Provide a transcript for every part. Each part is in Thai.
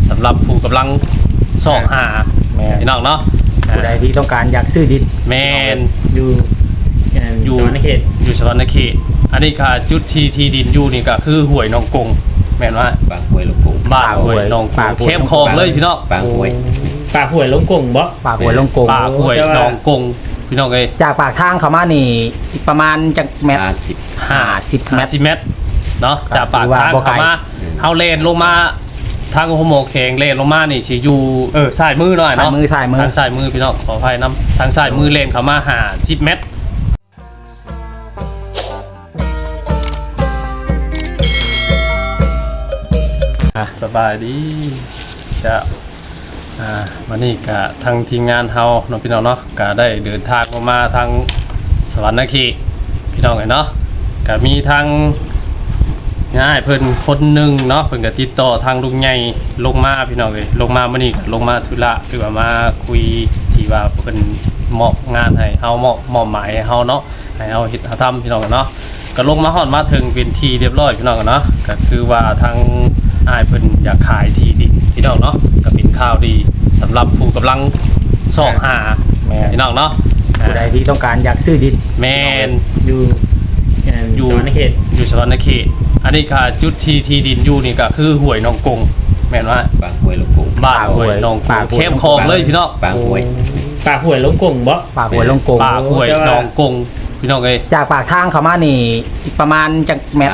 สำหรับผู้กำลังส่องหาพี่น้องเนาะผู้ใดที่ต้องการอยากซื้อดินแมนอยู่สวรรณเขตอยู่สวรรณเขตอันนี้ค่ะจุดที่ดินอยู่นี่ก็คือห้วยหนองกงแม่นว่าปากห้วยลงกงบ้านห้วยหนองกงเข้มคลองเลยพี่น้องปากห้วยลงกงบ่ปากห้วยลงกงปากห้วยหนองกงพี่น้องเอ้ยจากปากทางเข้ามานี่อีกประมาณจักเมตร 50 เมตรเนาะจากปากทางเข้ามาเฮาเลนลงมาทางโฮโมแข็งเลนลงมานี่สิอยู่ซ้ายมือหน่อยเนาะซ้ายมือทางซ้ายมือพี่น้องขออภัยนำทางซ้ายมือเลนเข้ามา50 เมตรสบายดีจะวันนี้ก็ทางทีมงานเฮาน้องพี่น้องเนาะก็ได้เดินทางมาทางสวรรณเขตพี่น้องเนาะก็มีทางง่ายเพิ่นคนหนึ่งเนาะเพิ่นก็ติดต่อทางลุงใหญ่ลงมาพี่น้องเลยลงมามื้อนี้ก็ลงมาธุระคือว่ามาคุยที่ว่าเพิ่นมอบงานให้เฮามอบหมายให้เฮาเนาะให้เฮาเฮ็ดทำพี่น้องเนาะก็ลงมาฮอดมาถึงเป็นที่เรียบร้อยพี่น้องเนาะก็คือว่าทางอ้ายเพิ่นอยากขายที่ดินพี่น้องเนาะก็เป็นข่าวดีสำหรับผู้กำลังส่องหาพี่น้องเนาะผู้ใดที่ต้องการอยากซื้อดินแมนอยู่สวรรณเขตอยู่สวรรณเขตอันนี้ค่ะจุดที่ดินอยู่นี่ก็คือห้วยหนองกงแม่นว่าปากห้วยลงกงบ้านห้วยหนองกงเข้มคลองเลยพี่น้องปากห้วยลงกงบ่ปากห้วยลงกงปากห้วยหนองกงพี่น้องเอ้ยจากปากทางเข้ามานี่อีกประมาณจักเมตร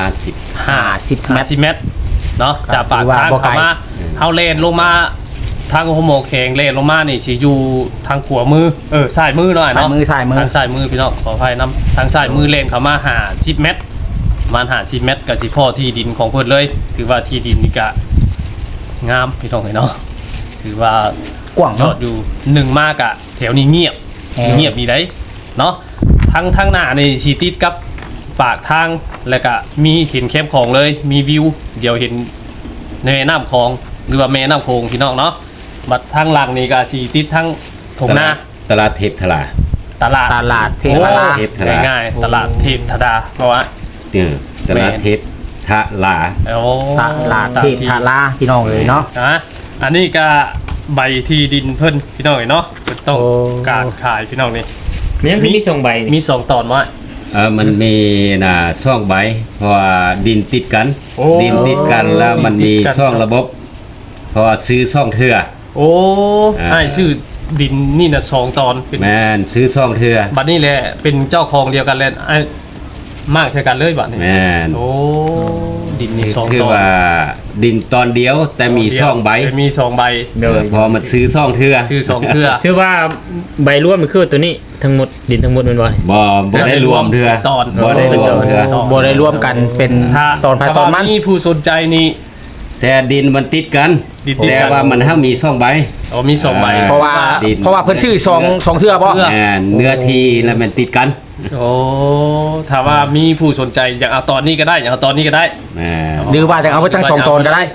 50 เมตรเนาะจากปากทางเข้ามาเฮาเลนลงมาทางโฮโมแข็งเลนลงมานี่สิอยู่ทางขวามือซ้ายมือหน่อยเนาะซ้ายมือทางซ้ายมือพี่น้องขออภัยนำทางซ้ายมือเลนเข้ามา50 เมตรประมาณ50 เมตรก็สิพอที่ดินของเพิ่นเลยถือว่าที่ดินนี่ก็งามพี่น้องเนาะถือว่ากว้างยอดอยู่1มากอะแถวนี้เงียบมีได้เนาะทางหน้านี่สิติดกับปากทางแล้วก็มีเห็นแคมป์ของเลยมีวิวเดี๋ยวเห็นในแม่น้ำคลองหรือว่าแม่น้ำโขงพี่น้องเนาะบัดทางหลังนี่ก็สิติดทั้งถงนาตลาดเทพธาราตลาดเทพธาราง่ายๆตลาดเทพธาราเพราะว่าตลาดเทพธาราตลาดเทพธาราพี่น้องเลยเนาะอันนี้ก็ใบที่ดินเพิ่นพี่น้องเนาะต้องการขายพี่น้องนี่มี2 ใบมี2 ตอนมั้ยมันมี2 ใบเพราะว่าดินติดกันแล้วมันมี2 ระบบเพราะว่าซื้อ2 เทื่อใช่ชื่อดินนี่น่ะ2 ตอนแม่นซื้อ2 เทื่อบัดนี้แหละเป็นเจ้าของเดียวกันเลยมากใช่กันเลยบัดนี้แม่นดินมี2 ตอนคือว่าดินตอนเดียวแต่มี2 ใบมี2 ใบพอมันซื้อ2 เทื่อถือว่าใบรวมมันคือตัวนี้ทั้งหมดดินทั้งหมดมันบ่ได้รวมเทื่อบ่ได้รวมเทื่อบ่ได้รวมกันเป็นตอนภายตอนมันมีผู้สนใจนี่แต่ดินมันติดกันแต่ว่ามันห้ามมี2 ใบมี2 ใบเพราะว่าเพิ่นชื่อ2 เทื่อบ่เนื้อที่แล้วมันติดกันถ้าว่ามีผู้สนใจอยากเอาตอนนี้ก็ได้อยากเอาตอนนี้ก็ได้หรือว่าจะเอาไปตั้ง2 ตอนก็ได้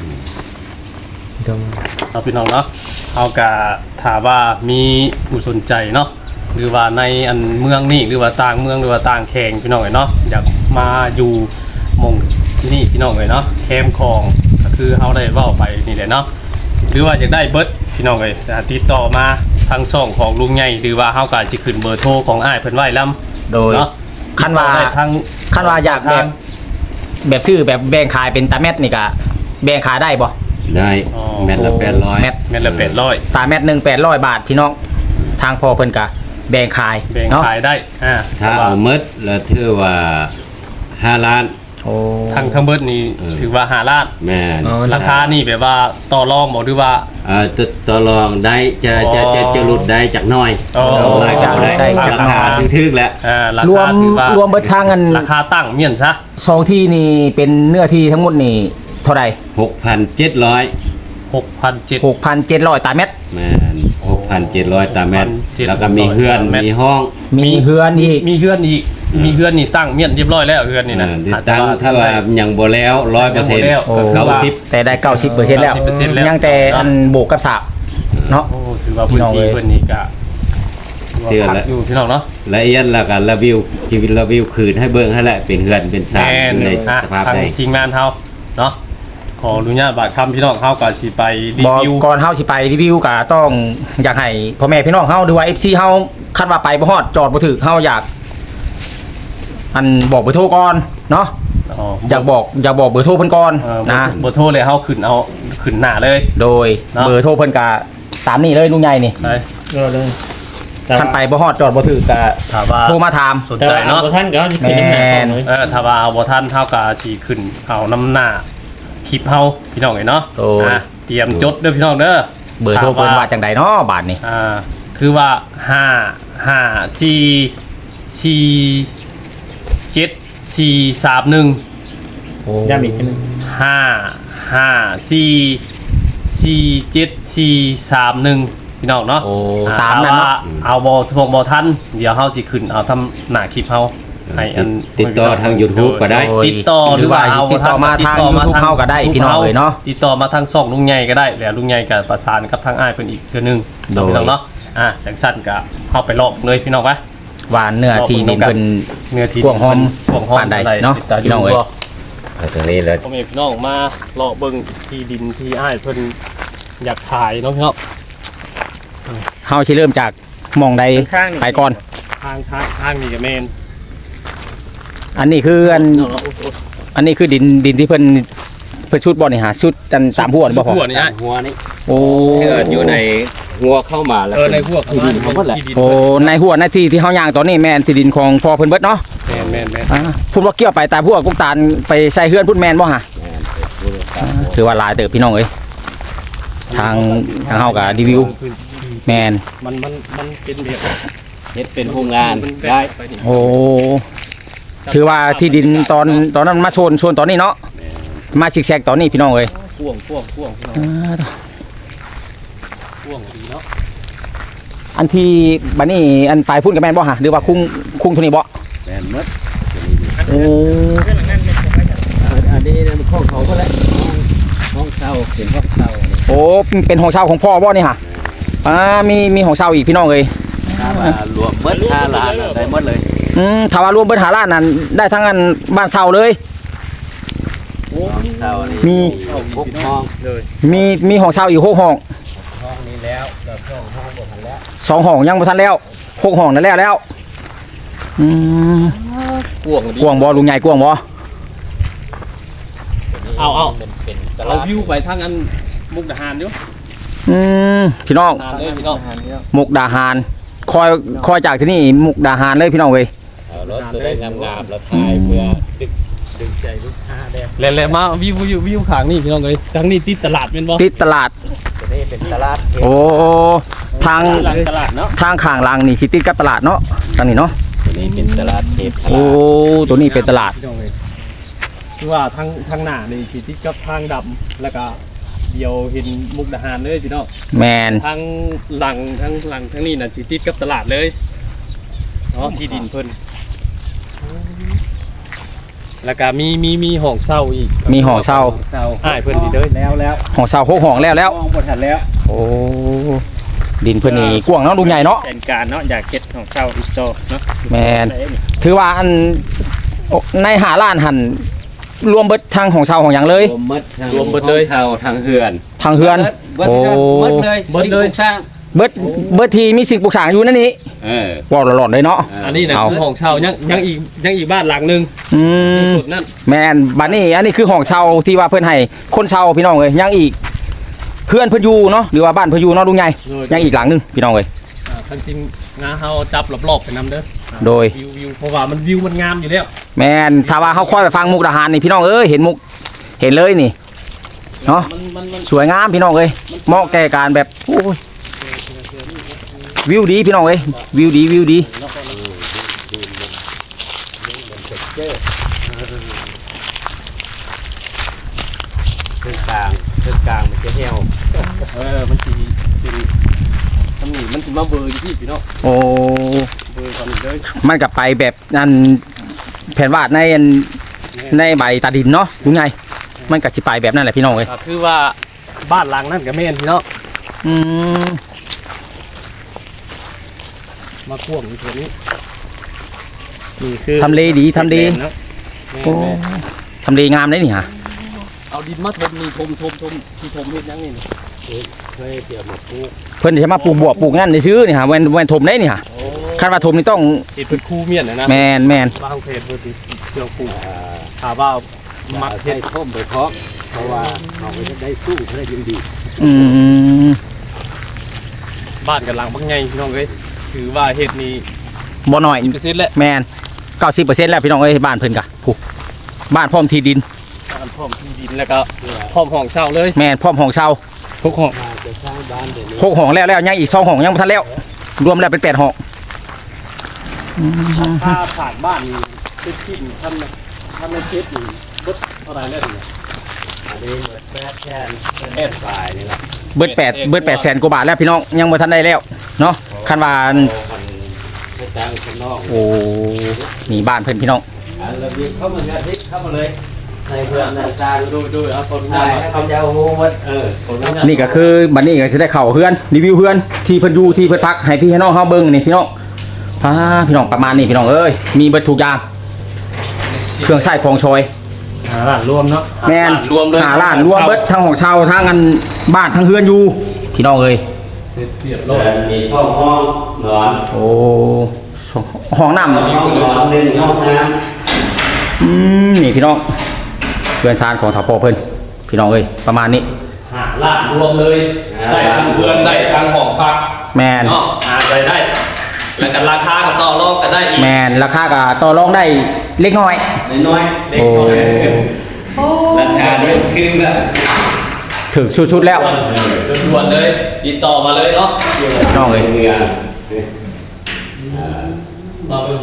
เอาพี่น้องเนาะเอากะถามว่ามีผู้สนใจเนาะหรือว่าในอันเมืองนี่หรือว่าต่างเมืองหรือว่าต่างแข่งพี่น้องเนาะอยากมาอยู่มงที่นี่พี่น้องเนาะแคมป์คลองก็คือเฮาได้เว้าไปนี่แหละเนาะหรือว่าอยากได้เบิดพี่น้องติดต่อมาทางช่องของลุงใหญ่หรือว่าเฮาก็สิขึ้นเบอร์โทรของอ้ายเพิ่นไว้นํโดยคันว่าอยากแบบซื้อแบบแบ่งขายเป็นตาแมตนี่ก็แบ่งขายได้บ่ได้แมตละ800 แมตละ800 ตาแมตนึง800 บาทพี่น้องทางพ่อเพิ่นก็แบ่งขายได้ถ้าเอาหมดแล้วถือว่า5 ล้านทั้งเบิดนี้ถือว่า5 ล้านแม่ราคานี่แบบว่าต่อรองบ่หรือว่าต่อรองได้จะลดได้จากน้อยได้ราคาถึกๆแล้วรวมเบิดทางกันราคาตั้งเมียนซะ 2 ที่นี่เป็นเนื้อที่ทั้งหมดนี่เท่าไหร่ 6,700 ตาเม็ดแม่น 6,700 ตาเม็ดแล้วก็มีเฮือนมีห้องมีเฮือนอีกมีเฮือนนี่ตั้งเมียนเรียบร้อยแล้วเฮือนนี่นะตั้งถ้าว่ายังบ่แล้ว 100% 90แต่ได้ 90% แล้วยังแต่อันโบกกับสาบเนาะถือว่าพื้นที่เพิ่นนี่ก็เชื่อแล้วอยู่พี่น้องเนาะละเอียดแล้วก็รีวิวคืนให้เบิ่งให้แหละเป็นเฮือนเป็นสร้างในสภาพใดจริงงานเฮาเนาะขขออนุญาตบาดคำพี่น้องเฮาก็สิไปรีบอกวิวก่อนเฮาสิไปรีวิวก็ต้องอยากให้พ่อแม่พี่น้องเฮาหรือว่า FC เฮาคันว่าไปบ่ฮอดจอดบ่ถึกเฮาอยากอันบอกเบอร์โทรก่อนเนาะอยากบอกเบอร์โทรเพิ่นก่อนนะนะบ่โทรเลยเฮาขึ้นเอาขึ้นหน้าเลยโดยเนาะเบอร์โทรเพิ่นก็ตามนี้เลยลุงใหญ่นี่ไปเลยคันไปบ่ฮอดจอดบ่ถึกก็ถามว่าโทรมาถามสนใจเนาะท่านก็จะขึ้นน้ำหนักของเลยถ้าว่าเอาบ่ทันเฮาก็สิขึ้นเอาน้ำหน้าคลิปเฮาพี่น้องเอ้ยเนาะเตรียมจดเด้อพี่น้องเด้อเบอร์โทรเพิ่นว่าจังใดเนาะบาทนี่คือว่า5547431 โอ้ย้ำอีกทีนึง 5547431พี่น้องเนาะโอ้ตามนั้นเนาะเอาบ่ทันเดี๋ยวเฮาสิขึ้นเอาทำหน้าคลิปเฮาให้อันติดต่อทาง YouTube ก็ได้ติดต่อหรือว่าเอาติดต่อมาทาง YouTube เฮาก็ได้พี่น้องเอ้ยเนาะติดต่อมาทางช่องลุงใหญ่ก็ได้แล้วลุงใหญ่ก็ประสานกับทางอ้ายเพิ่นอีกเทื่อนึงโดยพี่น้องเนาะจังซั่นก็เฮาไปลอกเลยพี่น้องไปว่าเนื้อที่ดินเพิ่นเนื้อที่กว้างหอมกว้างหอมปานใดเนาะพี่น้องเอ้ยตรงนี้แล้วพ่อแม่พี่น้องมาเลาะเบิ่งที่ดินที่อ้ายเพิ่นอยากขายเนาะพี่น้องเฮาสิเริ่มจากหม่องใดไปก่อนทางนี่ก็แม่นอันนี้คืออันนี้คือดินที่เพิ่นชุดบ่นี่หาชุดกันตามหัวนี่บ่พอหัวนี่อ้ายหัวนี่โอ้เกิดอยู่ในหัวเข้ามาแล้วในหัวคือดินของที่ดินโอ้ในหัวในที่เฮาย่างตอนนี้แม่นที่ดินของพ่อเพิ่นเบิดเนาะแม่นพูดว่าเกี่ยวไปตามหัวกุกตาลไปใส่เฮือนพุ่นแม่นบ่ฮะถือว่าหลายเติบพี่น้องเอ้ยทางเฮาก็รีวิวแม่นมันเป็นแบบเฮ็ดเป็นโรงงานได้โอ้ถือว่าที่ดินตอนนั้นมาโซนตอนนี้เนาะมาซิกแซกตอนนี้พี่น้องเอ้ยพ่วงพี่น้องพ่วงดีเนาะอันที่บัดนี้อันปลายพุ่นกับแม่นบ่ฮะหรือว่าคุ้งเท่านี้บ่แม่นหมดโอ้อันนี้มันของเขาก็แล้วห้องเช่าเป็นห้องเช่าโอ้เป็นห้องเช่าของพ่อบ่นี่ฮะมีห้องเช่าอีกพี่น้องเอ้ยถ้ามารวมเบิด5ล้านได้หมดเลยถ้าว่ารวมเบิดหาล้านนั้นได้ทั้งอันบ้านเช่าเลยห้องเช่านี่มี 6ห้องมีห้องเช่าอีก6ห้องห้องนี้แล้วแล้วห้องบ่ทันแล้ว 2ห้องยังบ่ทันแล้ว6ห้องนั่นแล้วอืมพ่วงดีกว้างบ่ลุงใหญ่กว้างบ่เอาเป็นตเอาลาดวิวไปทางอันมุกดาหารอยู่พี่น้องดาหารเลยพี่น้องมุกดาหารคอยจากที่นี่มุกดาหารเลยพี่น้องเว้ยเอารถตัวได้งามๆแล้วถ่ายเพื่อดึงใจลูกค้าได้แล้วมาวิวข้างนี่พี่น้องเอ้ยทางนี้ติดตลาดแม่นบ่ติดตลาดตัวนี้เป็นตลาดโอ้ทางหลังตลาดเนาะทางข้างหลังนี่สิติดกับตลาดเนาะทางนี้เนาะตัวนี้เป็นตลาดเทพโอ้ตัวนี้เป็นตลาดพี่น้องเอ้ยคือว่าทางหน้านี่สิติดกับทางดำแล้วก็เดียวเห็นมุกดาหารเลยพี่น้องแมนทางหลังทางนี้น่ะสิติดกับตลาดเลยเนาะที่ดินเพิ่นแล้วก็มีห้องเช่าอีกมีห้องเช่าอ้ายเพิ่นนี่เด้อแล้วห้องเช่า6ห้องแล้วมองบ่ทันแล้วโอ้ดินเพิ่นนี่กว้างเนาะลุงใหญ่เนาะเป็นการเนาะอยากเก็ดของเจ้าอีกโตเนาะแมนถือว่าอันในหาล้านหันรวมเบิดทางของเช่าของหยังเลยรวมหมดเลยเช่าทางเฮือนทางเฮือนโอ้หมดเลยหมดเลยสร้างเบิดทีมีสิ่งปลูกสร้างอยู่นั่นนี่เออว้าวหลอนๆเลยเนาะอันนี้นะเอาคือห้องเช่ายังอีกบ้านหลังหนึงอืมสุดนั่นแมนบัดนี้อันนี้คือห้องเช่าที่ว่าเพิ่นให้คนเช่าพี่น้องเอ้ยยังอีกเพื่อนเพิ่นอยู่เนาะหรือว่าบ้านเพิ่นอยู่เนาะลุงใหญ่ยังอีกหลังหนึงพี่น้องเอ้ยทั้งจริงงาเฮาจับรอบๆไปนำเด้อโดยวิวเพราะว่ามันวิวมันงามอยู่แล้วแมนถ้าว่าเขาค่อยไปฟังมุกดาหารนี่พี่น้องเอ้ยเห็นมุกเห็นเลยนี่เนาะมันสวยงามพี่น้องเอ้ยเหมาะแก่การแบบโอ้ยวิวดีพี่น้องเอ้ยวิวดีเครื่องกลางมันจะเหี่ยวมันสิเป็นตำหนิมันสิมาเบอร์อยู่ที่พี่น้องโอ้เบอร์ก่อนเลยมันกลับไปแบบนั้นแผ่นวาดในใบตาดินเนาะลุงไงมันกับสิไปแบบนั้นแหละพี่น้องเอ้ยก็คือว่าบ้านหลังนั่นก็แม่นพี่น้องอืมมาควงอยู่ตัวนี้นี่คือทำเลดีทำเลเนาะโอ้ทำเลงามเลยนี่ฮะเอาดินมาถมนี่ถมที่ถมเฮ็ดยังนี่เคยเกี่ยวมาปลูกเพิ่นจะมาปลูกบวบปลูกนั่นในซื้อนี่ฮะแม่นถมได้นี่ฮะคันว่าถมนี่ต้องเฮ็ดเป็นคู่เมียนนะแม่นบางเพจบ่ติเกี่ยวปลูกถ้าว่ามักเฮ็ดท่มไปเพราะว่าเอาไปได้สู้ได้ยินดีอืมบ้านกันหลังบักใหญ่พี่น้องเอ้ยถือว่าเฮ็ดนี่บ่น้อย 10%แล้วแม่น90%แล้วพี่น้องเอ้ยบ้านเพิ่นกะผู้บ้านพร้อมที่ดินการพร้อมที่ดินแล้วก็พร้อมห้องเช่าเลยแม่นพร้อมห้องเช่าทุกห้อง 6ห้องแล้วยังอีก2ห้องยังบ่ทันแล้วรวมแล้วเป็น8ห้องค่าผ่านบ้านนี่เป็นชิ้นท่านในเช็ดนี่เบิดเท่าไหร่แล้วเนี่ยอันนี้เบิด8ฝ่ายนี่ล่ะเบิด800,000กว่าบาทแล้วพี่น้องยังบ่ทันได้แล้วเนาะคันว่าจ้างคนนอกโอ้นี่บ้านเพิ่นพี่น้องระเบียบเข้ามาเนี่ยทิศเข้ามาเลยในเพื่อนในจานดูเอาคนใช่ให้เขาจะเอาโฮมัดคนนั้นนี่ก็คือบัดนี้ก็สิได้เข้าเฮือนรีวิวเฮือนที่เพิ่นอยู่ที่เพิ่นพักให้พี่ให้น้องเฮาเบิ่งนี่พี่น้องพี่น้องประมาณนี้พี่น้องเอ้ยมีเบิดทุกอย่างเครื่องใช้ของชอยร้านรวมเนาะแม่นรวมเลยหาร้านรวมเบิดทั้งของเช่าทั้งอันบ้านทั้งเฮือนอยู่พี่น้องเอ้ยเสร็จเรียบร้อยมีช่องห้องนอนโอ้ห้องน้ำห้องนอนหนึ่งห้องน้นี่พี่น้องเพื่อนซานของถาพ่อเพิ่นพี่น้องเอ้ยประมาณนี้หาร้านรวมเลยได้ทั้งเพื่อนได้ทั้งห้องพักแมนเนาะหาไปได้แล้วกันราคาก็ต่อรองกันได้อีกแมนราคาก็ต่อรองได้เล็กน้อยำน้อยเด็กน้อยราคาเดียวถึงละถึงชุดๆแล้วด่วนๆเลยติดต่อมาเลยเนาะน้องเอ้ยเงินมาเบิ่ง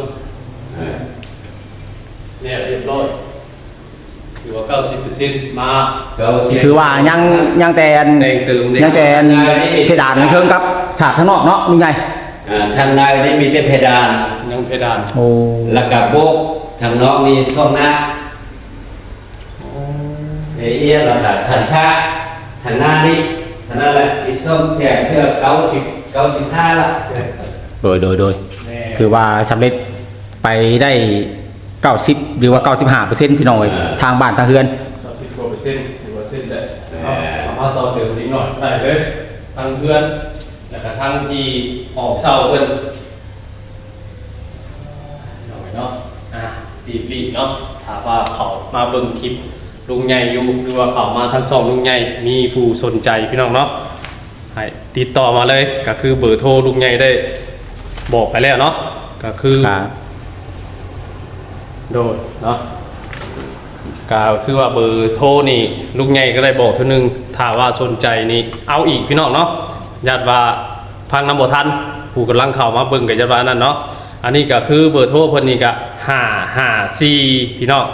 เนี่ยเรียบร้อยถือว่า 90% มาก็สิถือว่ายังแต่อันแดงเติมยังแต่อันเพดานมันเคิงกับสาดข้างนอกเนาะนี่ไงทางในได้มีแต่เพดานยังเพดานโอ้แล้วก็โบกทางนอกนี่ช่องหน้าเอี้ยลำดับขันชาทางหน้านี่ทางนั้นแหละที่ช่องแจกเพื่อ95ละโดยถือว่าสำเร็จไปได้90หรือว่า95%พี่น้องเอ้ยทางบ้านทางเฮือน 90%ถือว่าเส้นได้สามารถต่อเติมนิดหน่อยได้เลยทั้งเพื่อนแล้วก็ทั้งที่ออกเศร้าเพิ่นหน่อยเนาะรีบเนาะถามว่าเขามาเบิ่งคลิปลุงใหญ่อยู่หรือว่าเขามาทั้งสองลุงใหญ่มีผู้สนใจพี่น้องเนาะให้ติดต่อมาเลยก็คือเบอร์โทรลุงใหญ่ได้บอกไปแล้วเนาะก็คือ โดยเนาะก็คือว่าเบอร์โทรนี่ลุงใหญ่ก็ได้บอกเท่านึงถ้าว่าสนใจนี่เอาอีกพี่น้องเนาะญาติว่าพังน้ำบ่ทันผู้กำลังเข้ามาเบิ่งกับญาติว่านั่นเนาะอันนี้ก็คือเบอร์โทรเพิ่นนี่ก็554พี่น้อง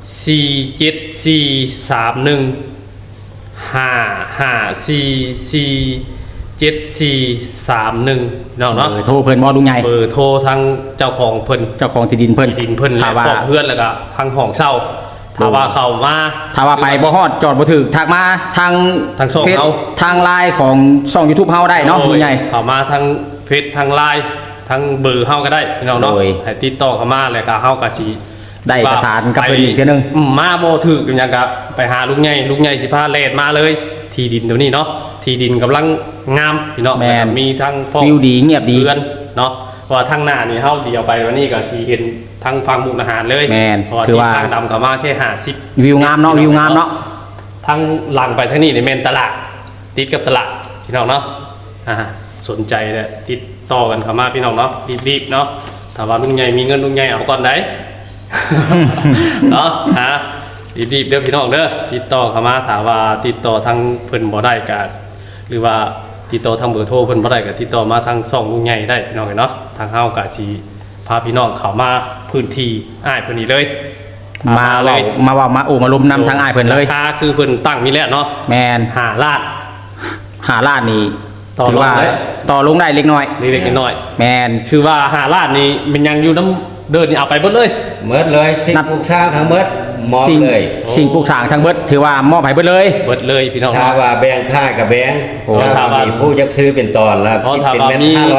47431เนาะเนาะเบอร์โทรเพิ่นบ่ลุงใหญ่เบอร์โทรทั้งเจ้าของเพิ่นเจ้าของที่ดินเพิ่นดินเพิ่นและถ้าว่าของเพื่อนแล้วก็ทางห้องเช่าถ้าว่าเข้ามาถ้าว่าไปบ่ฮอดจอดบ่ถึกทักมาทางทางช่องเฟซเฮาทางไลน์ของช่อง YouTube เฮาได้เนาะลุงใหญ่เข้ามาทางเฟซทางไลน์ทางเบอร์เฮาก็ได้พี่น้องเนาะโดยให้ติดต่อเข้ามาแล้วก็เฮาก็สิได้ประสานกับเพิ่นอีกเทื่อนึงมาบ่ถึกอย่างก็ไปหาลุงใหญ่สิพาแล่นมาเลย ที่ดินเดี๋ยวนี้เนาะที่ดินกำลังงามพี่น้องแม่นมีทั้งฟอกวิวดีเงียบดีเรือนเนาะเพราะว่าทางหน้านี่เฮาเดียวไปวันนี้ก็สิเห็นทางฝั่งมุกดาหารเลยแม่นเพราะว่าถือว่าที่ทางดำก็มาแค่50 วิวงามเนาะวิวงามเนาะทั้งหลังไปทั้งนี้ในเมนตลาดติดกับตลาดพี่น้องเนาะสนใจเลยติดต่อกันเข้ามาพี่น้องเนาะรีบๆเนาะถ้าว่าลุงใหญ่มีเงินลุงใหญ่เอาก่อนได้ เนาะรีบๆเด้อพี่น้องเด้อติดต่อเข้ามาถามว่าติดต่อทางเพิ่นบ่ได้ก็หรือว่าติดต่อทางเบอร์โทรเพิ่นบ่ได้ก็ติดต่อมาทางช่องลุงใหญ่ได้พี่น้องเนาะทางเฮาก็สิพาพี่น้องเข้ามาพื้นที่อ้ายเพิ่นนี่เลยมาเลเว้าย มาโอ้มาลมนำทางอ้ายเพิ่นเลยราคาคือเพิ่นตั้งนี่แหละเนาะแมน 5 ล้านหาล้านนี่ต่อถือว่าลงได้ต่อลงได้เล็กน้อยเล็กๆน้อยแมนๆชื่อว่า5 ล้านนี่มันยังอยู่น้ำเดินนี่เอาไปเบิดเลยเมิดเลยสิ่งนับปลูกสร้างทั้งเมิดมอบสิ่งเลยสิ่งปลูกสร้างทั้งเบิดถือว่ามอบให้เบิดเลยเบิดเลยพี่น้องถ้าว่าแบ่งค่ากับแบ่งโอ้ถ้าว่ามีผู้จักซื้อเป็นตอนแล้วอ๋อคิดถ้าเป็นว่าเม็ดมี 500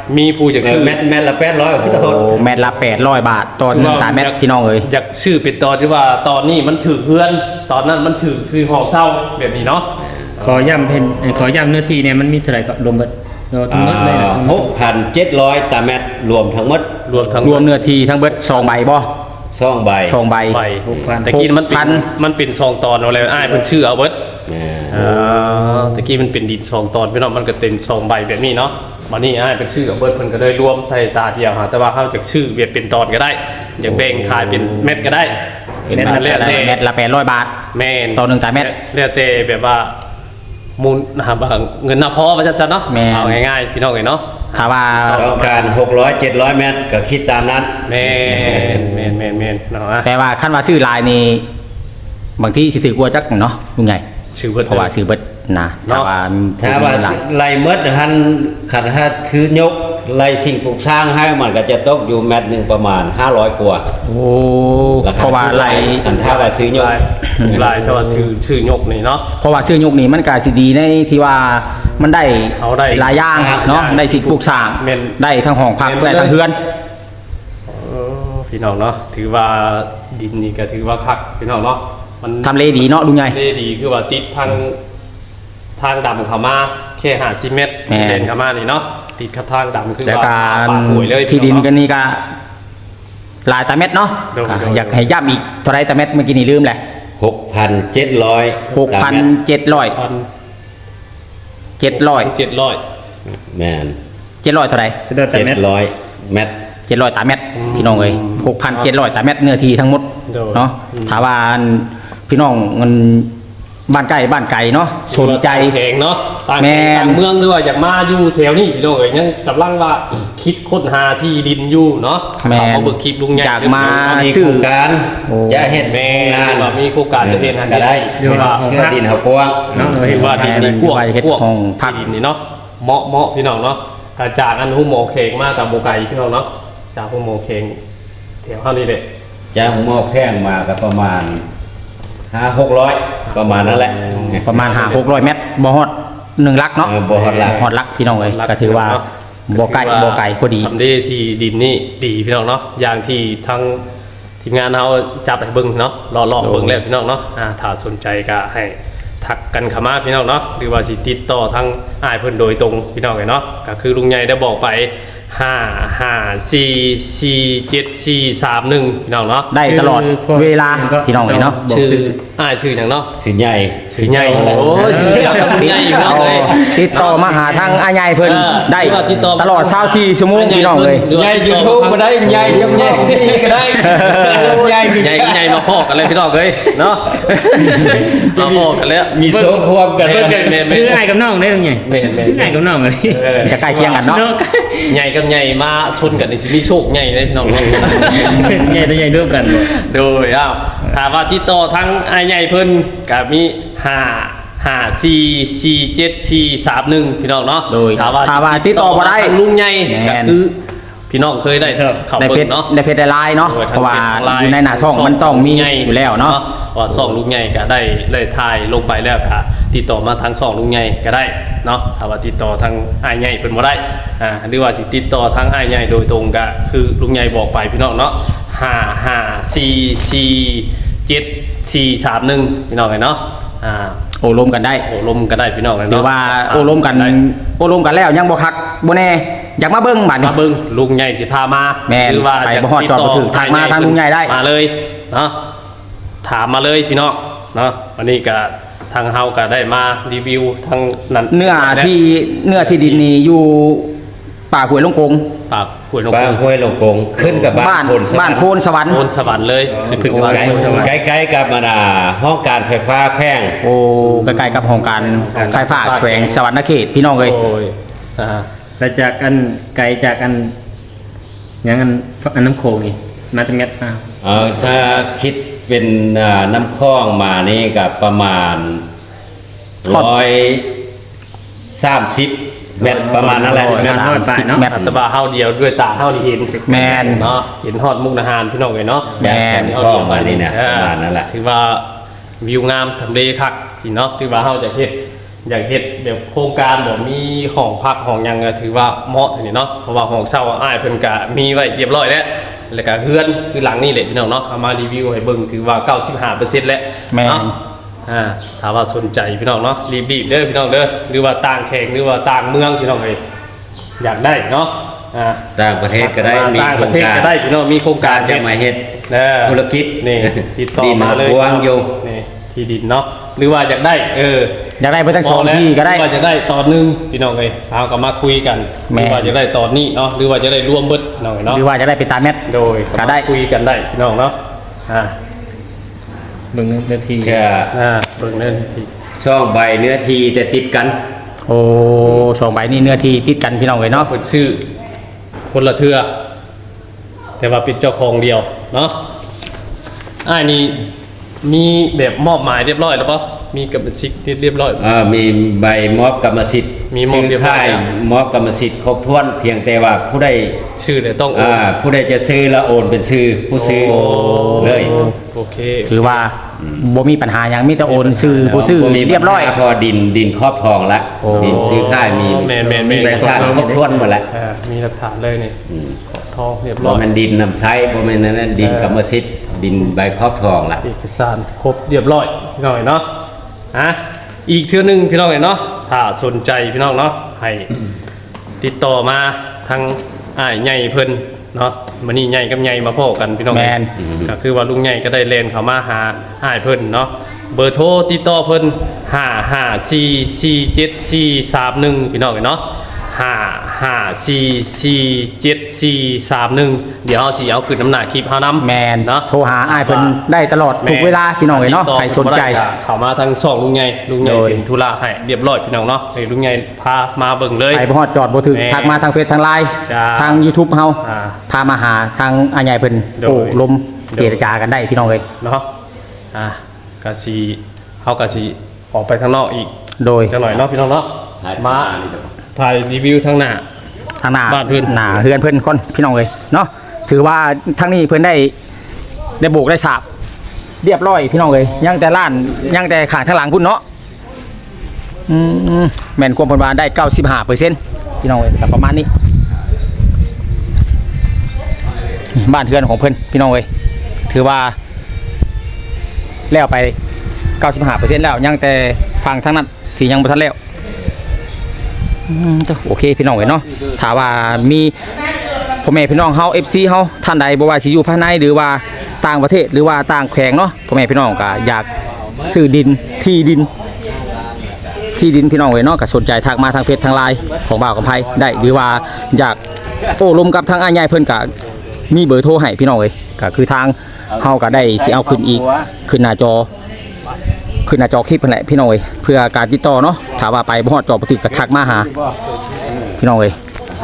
มีผู้อยากชื่อแมทละ800ขอโทษโอ้แมตรละ800 บาทต่อ1ตาแมตรพี่น้องเอ้ยอยากชื่อเป็นตอนที่ว่าตอนนี้มันถือเพื่อนตอนนั้นมันถือคือห้องเช่าแบบนี้เนาะขอย้ำเนื้อที่เนี่ยมันมีเท่าไหร่ก็รวมเบิดเราทั้งหมดเลยนะ 6,700ตาแมตรรวมทั้งหมดรวมทั้งรวมเนื้อที่ทั้งเบิด2ใบบ่ 2ใบ 2ใบไป 6,000 แต่กี้มันเป็นซองตอนอะไรอ้ายเพิ่นชื่อเอาเบิดแม่ตะกี้มันเป็นดินซองตอนพี่น้องมันก็เต็มซองใบแบบนี้เนาะมานี่อ้ายเป็นชื่อเอาเบิดเพิ่นก็เลยรวมใส่ตาเดียวหาแต่ว่าเฮาจากชื่อเวียดเป็นตอนก็ได้อยากแบ่งขายเป็นเม็ดก็ได้เป็นเม็ดนั่นแล้วแต่แมตรละ800 บาทแม่นต่อ1ตาแมตรแล้วแต่แบบว่ามูลนะครับเงินน่ะพอว่าจัดๆเนาะแม่นเอาง่ายๆพี่น้องเอ้ยเนาะถ้าว่าต้องการ600-700 เมตรก็คิดตามนั้นแม่นเนาะแต่ว่าคันว่าซื้อลายนี่บางที่สิถือกลัวจักเนาะลุงใหญ่ชื่อเบิดเพราะว่าซื้อเบิดนะถ้าว่าถ้าว่าหลายไล่เมดหันขันถ้าถือยกไล่สิ่งปลูกสร้างให้มันก็จะตกอยู่แมตรหนึ่งประมาณ500กว่าโอ้ราคเพราะว่าลายอันถ้าว่าซื้อยกลายถ้าว่าชื่อยกนี่เนาะเพราะว่าซื้อยกนี่มันก็สิดีในที่ว่ามันได้เอาได้หลายอย่างเนาะได้สิปลูกสร้างแม่นได้ทั้งห้องพักแม่นได้ทั้งเฮือนพี่น้องเนาะถือว่าดินนี่ก็ถือว่าคักพี่น้องเนาะมันทำเลดีเนาะลุงใหญ่เลดีคือว่าติดทางดำเข้ามาแค่50 เมตรแม่นเดินเข้ามานี่เนาะติดกับทางดำคือแต่ว่าการปากหวยเลยที่ดินพี่กันนี่ก็หลายตาเม็ดเนาะโดยก็อยากให้ย้ำอีกเท่าไรตาเม็ดเมื่อกี้นี่ลืมแหละ 6,700 ตามเมตร 6,700 700 แม่น 700เท่าไรจะได้แต่เม็ด 700 เมตร 700ตาเม็ดพี่น้องเอ้ย6,700ตาเม็ดเนื้อที่ทั้งหมดโดยเนาะถามว่าพี่น้องมันบ้านไกลเนาะสนใจแข็งเนาะต่างแม่ต่างเมืองหรือว่าอยากมาอยู่แถวนี้พี่น้องเอ้ยยังกำลังว่าคิดค้นหาที่ดินอยู่เนาะแม่นเอาเบิกคลิปลุงใหญ่อยากมามีซื้โคอรงการโอ้จะเฮ็ดแม่งานว่ามีโครงการจะเฮ็ดงานก็ได้หรือว่าเชื่อดินเขากว้างเนาะถือว่าดินนี่กว้างเฮ็ดกว้างห้องพักดินนี่เนาะเหมาะพี่น้องเนาะกระจากอันหุ้มโมเคงมากับโมไก่พี่น้องเนาะจากหุ้มโมเคงแถวเท่านี้แหละจะหม้อแข้งมาก็ประมาณ500-600ประมาณนั้นแหละประมาณ500-600 เมตรบ่ฮอด1ลักเนาะบ่ฮอดลักฮอดลักพี่น้องเอ้ยก็ถือว่าบ่ไกลพอดีทำได้ที่ดินนี่ดีพี่น้องเนาะอย่างที่ทั้งทีมงานเราจับไปเบิ่งเนาะรอเบิ่งแล้วพี่น้องเนาะถ้าสนใจก็ให้ทักกันเข้ามาพี่น้องเนาะหรือว่าสิติดต่อทางอ้ายเพิ่นโดยตรงพี่น้องเนาะก็คือลุงใหญ่ได้บอกไป5544741พี่น้องเนาะได้ตลอดเวลาพี่น้องเอ้ยเนาะชื่ออ้ายชื่อหยังเนาะสิใหญ่ชื่อใหญ่โอ้ยชื่อใหญ่ใหญ่พี่น้องเอ้ยติดต่อมาหาทางอาใหญ่เพิ่นได้หรือว่าติดต่อตลอด24ชั่วโมงพี่น้องเอ้ยใหญ่ YouTube ก็ได้ใหญ่เจ้าของที่ก็ได้ใหญ่ใหญ่มาพอกันเลยพี่น้องเอ้ยเนาะมาพอกันแล้วมีโซ่ควบกันเบิ่งกันแม่คือไอ้กับน้องได้ตรงไงแม่ไอ้กับน้องเลยจะใกล้เคียงกันเนาะใหญ่กับใหญ่มาชนกันนี่สิมีโชคใหญ่เลยพี่น้องเนาะใหญ่ตัวใหญ่ร่วมกันโดยถามว่าติดต่อทั้งอ้ายใหญ่เพิ่นก็มี5544741พี่น้องเนาะโดยถามว่าถ้าว่าติดต่อบ่ได้ทางลุงใหญ่แม่ก็นคือพี่น้องเคยได้เข้าในเฟเบิ่ซงเนาะในเฟซได้ไลน์เนาะเพราะว่าอยู่ในหน้าช่องมันต้องมีอยู่แล้วเนาะว่าช่องลุงใหญ่ก็ได้เลยถ่ายลงไปแล้วก็ติดต่อมาทางช่องลุงใหญ่ก็ได้เนาะถ้าว่าติดต่อทางอ้ายใหญ่เพิ่นบ่ได้หรือว่าสิติดต่อทางอ้ายใหญ่โดยตรงก็คือลุงใหญ่บอกไปพี่น้องเนาะ5544741พี่น้องเห็นเนาะโอ้ล้มกันได้โอ้ลมก็ได้พี่น้องเนาะหรือว่าโอ้ล้มกันได้โอ้ล้มกันแล้วยังบ่คักบ่แน่อยากมาเบิ่งบัดนี้มาเบิ่งลุงใหญ่สิพามาแม่นหรือว่าไปจะบ่ฮอดจอดบ่ถึงทางมาทางลุงใหญ่ได้มาเลยเนาะถามมาเลยพี่น้องเนาะวันนี้ก็ทางเฮาก็ได้มารีวิวทางนั้นเนื้อที่ดินนี่อยู่ป่าห้วยลงกงปากห้วยลงบ้านห้วยลงกงขึ้นกับบ้านบ้านโพนสวรรค์โพนสวรรค์เลยขึ้นบ้านโพนสวรรค์ใกล้ๆกับมันห้องการไฟฟ้าแพร่งโอ้ใกล้ๆกับโครงการไฟฟ้าแขวงสวรรณเขตพี่น้องเอ้ยโอ้ยอ่าแล้วจากอันไกลจากอันอย่างอันน้ำโขงนี่มาจะเม็ดอ้าวถ้าคิดเป็นน้ำคลองมานี่กับประมาณ130 เมตรประมาณนั้นแหละเดินทอดไปเนาะแมตรอัตบาเฮาเดียวด้วยตาเฮานี่เห็นแม่นเนาะเห็นฮอดมุกดาหารพี่น้องเลยเนาะแม่นคลองมานี่เนี่ยประมาณนั้นแหละถือว่าวิวงามทำเลคักสิเนาะถือว่าเฮาจะเฮ็ดอยากเฮ็ดแบบโครงการบ่มีห้องพักห้องหยังก็ถือว่าเหมาะทีนี้เนาะเพราะว่าห้องเช่าอ้ายเพิ่นก็มีไว้เรียบร้อยแล้วก็เฮือนคือหลังนี่แหละพี่น้องเนาะเอามารีวิวให้เบิ่งถือว่า 95% แล้วแม่นเนาะถ้าว่าสนใจพี่น้องเนาะรีบๆเด้อพี่น้องเด้อหรือว่าต่างแข่งหรือว่าต่างเมืองพี่น้องเอ้ยอยากได้เนาะต่างประเทศก็ได้มีต่างโคปรระงเทศการก็ได้พี่น้องมีโครงการจะมาเฮ็ด ธุรกิจนี่ติดต่อดินมาเลยกว้างอยู่นี่ที่ดินเนาะหรือว่าอยากได้อยากได้ไปทั้งสองที่ก็ได้หรือว่าจะได้ตอนหนึงพี่น้องเอ้ยเอาก็มาคุยกันหแม่รือว่าจะได้ตอนนี้เนาะหรือว่าจะได้รวมเบิดพี่น้องเอ้ยเนาะหรือว่าจะได้ไปตามแมทโดยก็ได้คุยกันได้พี่น้องเนาะเบิ่งเนื้อที่แค่เบิ่งเรื่องที่ช่องใบเนื้อทีแต่ติดกันโอ้สองใบนี่เนื้อที่ติดกันพี่น้องเลยเนาะเพิ่นชื่อคนละเทือแต่ว่าเป็นเจ้าของเดียวเนาะนี่มีแบบมอบหมายเรียบร้อยแล้วปะมีกรรมสิทธิ์เรียบร้อยมีใบมอบกรรมสิทธิ์มีมอบซื้เรียบร้อยค่ายแล้วมอบกรรมสิทธิ์ครบถ้วนเพียงแต่ว่าผู้ใดชื่อเนี่ยต้องโอนผู้ใดจะซื้อแล้วโอนเป็นชื่อผู้ซื้อเลยโอเคถือว่าบ่มีปัญหาอย่างมีแต่โอนซื้อผู้ซื้อบ่มีเรียบร้อยปัญหาพอดินครอบครองแล้วโอ้ดินซื้อค่ายมีแม่นเอกสารครบถ้วนหมดแล้วมีหลักฐานเลยนี่ขอทองเรียบร้บ่อยแม่นดินนำใช้บ่แม่นนั้นดินกรรมสิทธิ์ดินใบครอบครองละเอกสารครบเรียบร้อยพี่น้องเนาะอีกเทื่อหนึงพี่น้องเนาะถ้าสนใจพี่น้องเนาะให้ติดต่อมาทางใหญ่เพิ่นเนาะมื้อนี้ใหญ่กับใหญ่มาพ้อกันพี่น้องแม่นก็คือว่าลุงใหญ่ก็ได้เลนเข้ามาหาอ้ายเพิ่นเนาะเบอร์โทรติดต่อเพิ่น5544741พี่น้องเนาะ5544741เดี๋ยวเฮาสิเอาขึ้นน้ำหน้าคลิปเฮานำแมนเนาะโทรหาอ้ายเพิ่นได้ตลอดทุกเวลาพี่น้องเลยเนาะใครสนใจเข้ามาทางช่องลุงใหญ่โดยเป็นธุระให้เรียบร้อยพี่น้องเนาะให้ลุงใหญ่พามาเบิ่งเลยไปบ่ฮอดจอดบ่ถึงแม่ทักมาทางเฟซทางไลน์จ้าทาง YouTube เฮาอ่าพามาหาทางอาใหญ่เพิ่นโดยโอ้ลมโดยเจรจากันได้พี่น้องเลยเนาะก็สิเฮาก็สิออกไปข้างนอกอีกโดยจังหน่อยเนาะพี่น้องเนาะมาถ่ายรีวิวทางหน้าทางหน้าบ้านเพิ่นหน้าเฮือนเพิ่นก่อนพี่น้องเลยเนาะถือว่าทางนี้เพิ่นได้โบกได้สาบเรียบร้อยพี่น้องเลยยังแต่ล้านยังแต่ข้างทางหลังพุ่นเนาะแม่นความเพิ่นว่าได้ 95%พี่น้องเลยก็ประมาณนี้บ้านเฮือนของเพิ่นพี่น้องเลยถือว่าแล้วไป 95%แล้วยังแต่ฟังทางนั้นที่ยังบ่ทันแล้วโอเคพี่น้องเอ้ยเนาะถ้าว่ามีพ่อแม่พี่น้องเฮา FC เฮาท่านใดบ่ว่าสิอยู่ภายในหรือว่าต่างประเทศหรือว่าต่างแขวงเนาะพ่อแม่พี่น้องก็อยากซื้อดินที่ดินพี่น้องเอ้ยเนาะก็สนใจทักมาทางเฟซทางไลน์ของบ่าวกับไผได้หรือว่าอยากโอ้ลมกับทางอ้ายใหญ่เพิ่นก็มีเบอร์โทรให้พี่น้องเอ้ยก็คือทางเฮาก็ได้สิเอาขึ้นอีกขึ้นหน้าจอคลิปนั่นแหละพี่น้องเอ้ยเพื่อการติดต่อเนาะถ้าว่าไปบ่ฮอดจอบ่ถึกก็ทักมาหาพี่น้องเอ้ย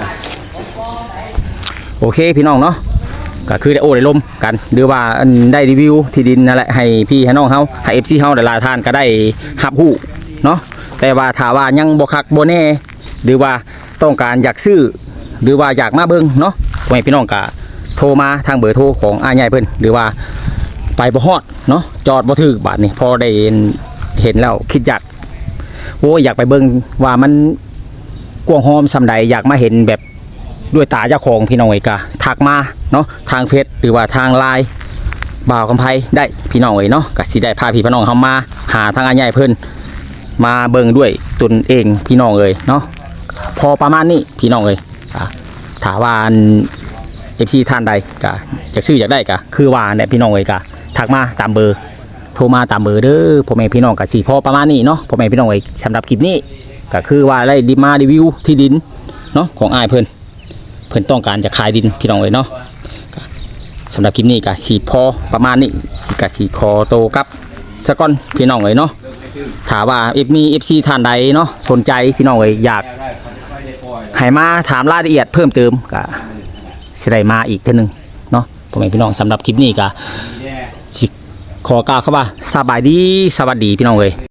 โอเคพี่น้องเนาะก็คือได้โอ้ได้ลมกันหรือว่าอันได้รีวิวที่ดินนั่นแหละให้พี่ให้น้องเฮาให้ FC เฮาหลายๆท่านก็ได้รับรู้เนาะแต่ว่าถ้าว่ายังบ่คักบ่แน่หรือว่าต้องการอยากซื้อหรือว่าอยากมาเบิ่งเนาะพ่อแม่พี่น้องก็โทรมาทางเบอร์โทรของอ้ายใหญ่เพิ่นหรือว่าไปบ่ฮอดเนาะจอดบ่ถึกบาดนี้พอได้เห็นแล้วคิดอยากอยากไปเบิ่งว่ามันกว้างหอมซำใดอยากมาเห็นแบบด้วยตาเจ้าของพี่น้องเอ้ยก็ทักมาเนาะทางเฟซหรือว่าทางไลน์บ่าวกำไพได้พี่น้องเอ้ยเนาะก็สิได้พาพี่พี่น้องเฮามาหาทางอ้ายใหญ่เพิ่นมาเบิ่งด้วยตนเองพี่น้องเอ้ยเนาะพอประมาณนี้พี่น้องเอ้ยถ้าว่าFC ท่านใดก็อยากซื้ออยากได้ก็คือว่าเนี่ยพี่น้องเอ้ยก็ทักมาตามเบอร์โทรมาตามเบอร์เด้อพ่อแม่พี่น้องก็สิพอประมาณนี้เนาะพ่อแม่พี่น้องเอ้ยสำหรับคลิปนี้ก็คือว่าได้มารีวิวที่ดินเนาะของอ้ายเพิ่นต้องการจะขายดินพี่น้องเอ้ยเนาะสำหรับคลิปนี้ก็สิพอประมาณนี้ก็สิขอโตวกับซะก่อนพี่น้องเอ้ยเนาะถ้าว่ามี FC ท่านใดเนาะสนใจพี่น้องเอ้ยอยากให้มาถามรายละเอียดเพิ่มเติมก็สิได้มาอีกเทื่อนึงเนาะพ่อแม่พี่น้องสำหรับคลิปนี้ก็สิขอกล่าวคำว่าสบายดีสวัสดีพี่น้องเอ้ย